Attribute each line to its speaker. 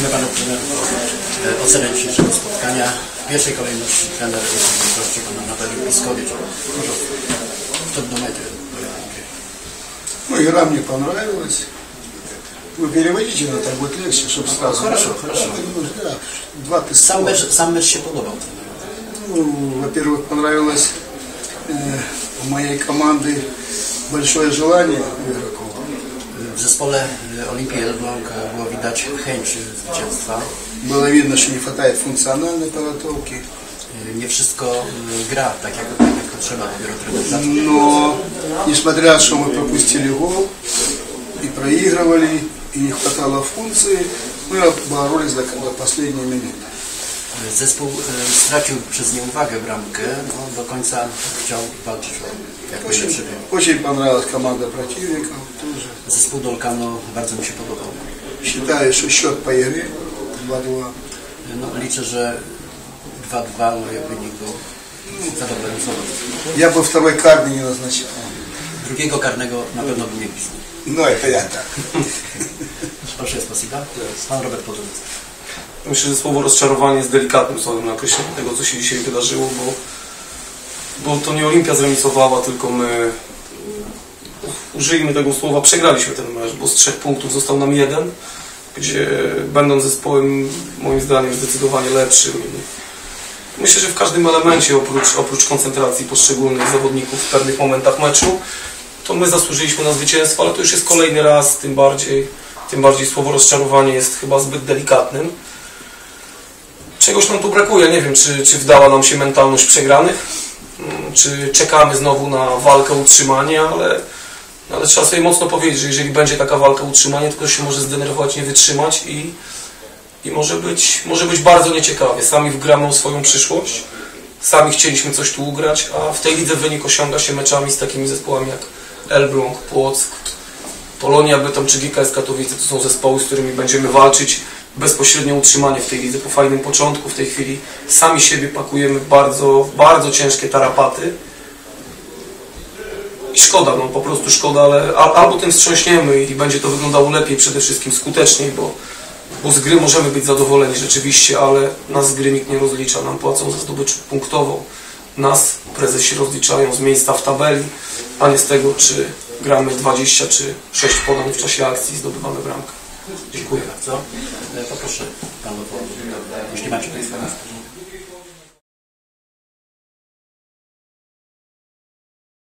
Speaker 1: Prosimy Panów trenerów o ocenę dzisiejszego spotkania. W pierwszej kolejności trener gości Pan Anatolij Piskowicz. Może w tym momencie.
Speaker 2: Ну, игра мне понравилась. Вы переводите, но так будет легче, чтобы сразу.
Speaker 1: Хорошо, хорошо.
Speaker 2: Да, два теста.
Speaker 1: Sam mecz się podobał.
Speaker 2: Ну, во-первых, понравилось у моей команды большое желание игроков.
Speaker 1: W zespole Olimpii Elbląg było widać chęć zwycięstwa.
Speaker 2: Было видно, что не хватает функциональной подготовки.
Speaker 1: Nie wszystko gra tak jak trzeba, dopiero trener zaczął.
Speaker 2: Но, несмотря, что мы пропустили гол и проигрывали, и не хватало функции, мы боролись до последней минуты.
Speaker 1: Zespół stracił przez nieuwagę bramkę, no, do końca chciał walczyć o jak najlepszy wynik.
Speaker 2: Очень понравилась команда противников тоже.
Speaker 1: Zespół Dolkano bardzo mi się podobał.
Speaker 2: Считаю, что счет по игре 2-2.
Speaker 1: No, liczę, że 2-2, no, jak wynik był zadowalający.
Speaker 2: Я бы второй карты не назначал.
Speaker 1: Drugiego karnego na pewno by nie pisał.
Speaker 2: No, это я так.
Speaker 1: Proszę, spasiba. Pan Robert Podolski.
Speaker 3: Myślę, że słowo rozczarowanie jest delikatnym słowem na określenie tego, co się dzisiaj wydarzyło, bo to nie Olimpia zremisowała, tylko my, użyjmy tego słowa, przegraliśmy ten mecz, bo z 3 punktów został nam 1, gdzie będąc zespołem moim zdaniem zdecydowanie lepszym. Myślę, że w każdym elemencie, oprócz koncentracji poszczególnych zawodników w pewnych momentach meczu, to my zasłużyliśmy na zwycięstwo, ale to już jest kolejny raz, tym bardziej słowo rozczarowanie jest chyba zbyt delikatnym. Czegoś nam tu brakuje, nie wiem, czy wdała nam się mentalność przegranych, czy czekamy znowu na walkę o utrzymanie, ale trzeba sobie mocno powiedzieć, że jeżeli będzie taka walka o utrzymanie, to ktoś się może zdenerwować, nie wytrzymać i może być bardzo nieciekawie. Sami wgramy o swoją przyszłość, sami chcieliśmy coś tu ugrać, a w tej lidze wynik osiąga się meczami z takimi zespołami jak Elbląg, Płock, Polonia Bytom czy GKS Katowice. To są zespoły, z którymi będziemy walczyć bezpośrednio utrzymanie w tej lidze po fajnym początku. W tej chwili sami siebie pakujemy w bardzo, bardzo ciężkie tarapaty. I szkoda, no po prostu szkoda, ale albo tym wstrząśniemy i będzie to wyglądało lepiej, przede wszystkim skuteczniej, bo z gry możemy być zadowoleni rzeczywiście, ale nas z gry nikt nie rozlicza, nam płacą za zdobycz punktową. Nas prezesi rozliczają z miejsca w tabeli, a nie z tego, czy gramy 20 czy 6 podań w czasie akcji i zdobywamy bramkę. Dziękuję
Speaker 1: bardzo. Poproszę Panów, jeśli macie Państwo.